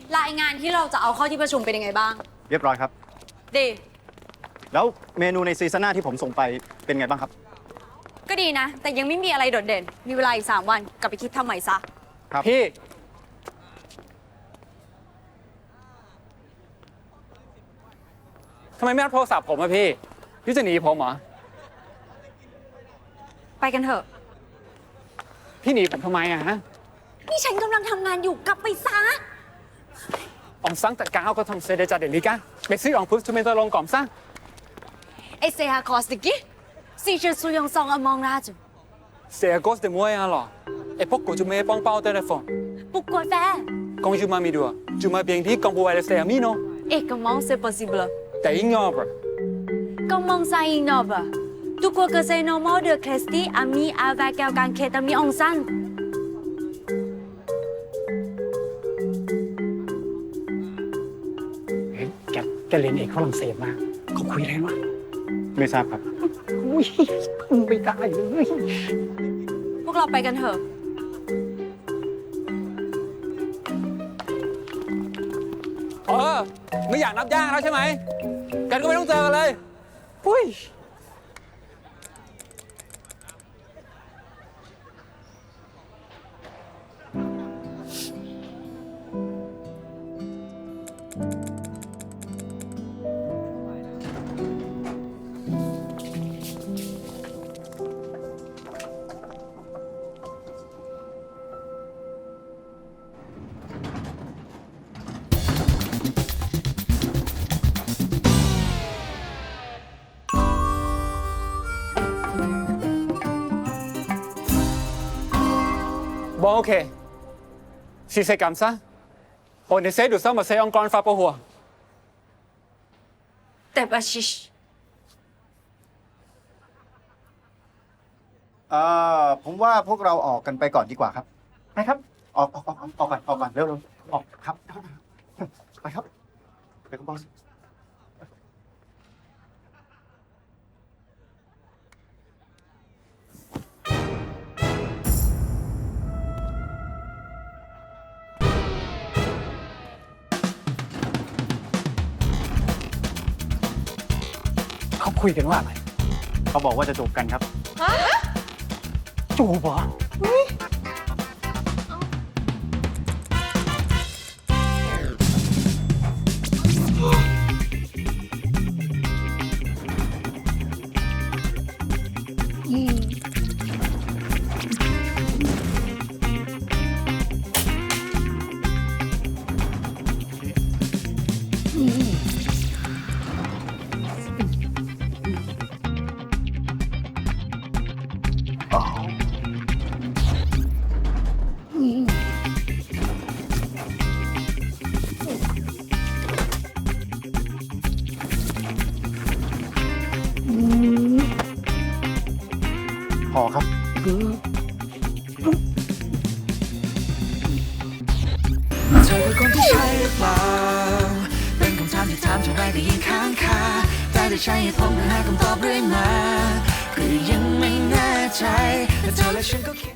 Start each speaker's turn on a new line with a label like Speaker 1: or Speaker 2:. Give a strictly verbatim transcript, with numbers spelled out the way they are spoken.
Speaker 1: รายงานที่เราจะเอาเข้าที่ประชุมเป็นยังไงบ้าง
Speaker 2: เรียบร้อยครับ
Speaker 1: ดี
Speaker 2: แล้วเมนูในซีซั่นหน้าที่ผมส่งไปเป็นไงบ้างครับ
Speaker 1: ก็ดีนะ แต่ยังไม่มีอะไรโดดเด่น มีเวลาอีกสามวันกลับไปคิดทำใหม่ซะ
Speaker 2: ครับ
Speaker 3: พี่ทำไมไม่รับโทรศัพท์ผมอะพี่ พี่จะหนีผมเหรอ
Speaker 1: ไปกันเถอะ
Speaker 3: พี่หนีผมทำไมอะฮะ
Speaker 1: นี่ฉันกำลังทำงานอยู่กลับไปซะ
Speaker 3: On s'en t'a qu'à encore comme c'est déjà délicat. Mais si on peut se mettre long comme ça,
Speaker 1: ไอเซียคอสติกิซีเชสุยองซองอมองราจู
Speaker 3: c'est à cause de moi alors. Et pourquoi tu me réponds pas au téléphone?
Speaker 1: ปุกกวยแฟ
Speaker 3: Quand je m'as mis dehors, tu m'as bien dit qu'on pouvait rester amis, non?
Speaker 1: เอกมองเซปอสิบล
Speaker 3: T'es ignoble.
Speaker 1: ก็มองไซอิงนอบะตุกัวเกษโนโมเดอเคสตี้อามีอาแวกแกวการเคตามีองซัน
Speaker 3: เฮ้ยแกแกเรียนเอกฝรั่งเศสมาเขาคุยอะไรวะ
Speaker 2: ไม่ทราบครับ
Speaker 3: อุ้ยไม่ได้เลย
Speaker 1: พวกเราไปกันเถอะ
Speaker 3: เออไม่อยากนับย่างแล้วใช่ไหมกันก็ไม่ต้องเจอกันเลยอุ้ย Bon, ok. Si c'est comme ça, on essaie de s'amasser encore une fois pour voir.
Speaker 1: แต่บาชิช
Speaker 2: เอ่อ ผมว่าพวกเราออกกันไปก่อนดีกว่าครับ ไปครับ ออกออกออกออกออกก่อนออกก่อนเร็วเร็วออกครับ ไปครับ ไปครับบอส
Speaker 3: เขาคุยกันว่าอะไร
Speaker 2: เขาบอกว่าจะจูบกันครับ
Speaker 3: จูบเหรอ
Speaker 2: พอครับ
Speaker 4: เธอคือคนที่ใช่หรือเปล่า เป็นคำถามที่ถามเท่าไรก็ยิ่งค้างคาแต่ได้ใช้เหตุผลเพื่อหาคำตอบเรื่อยมาก็ยังไม่แน่ใจแต่เธอและฉันก็คิด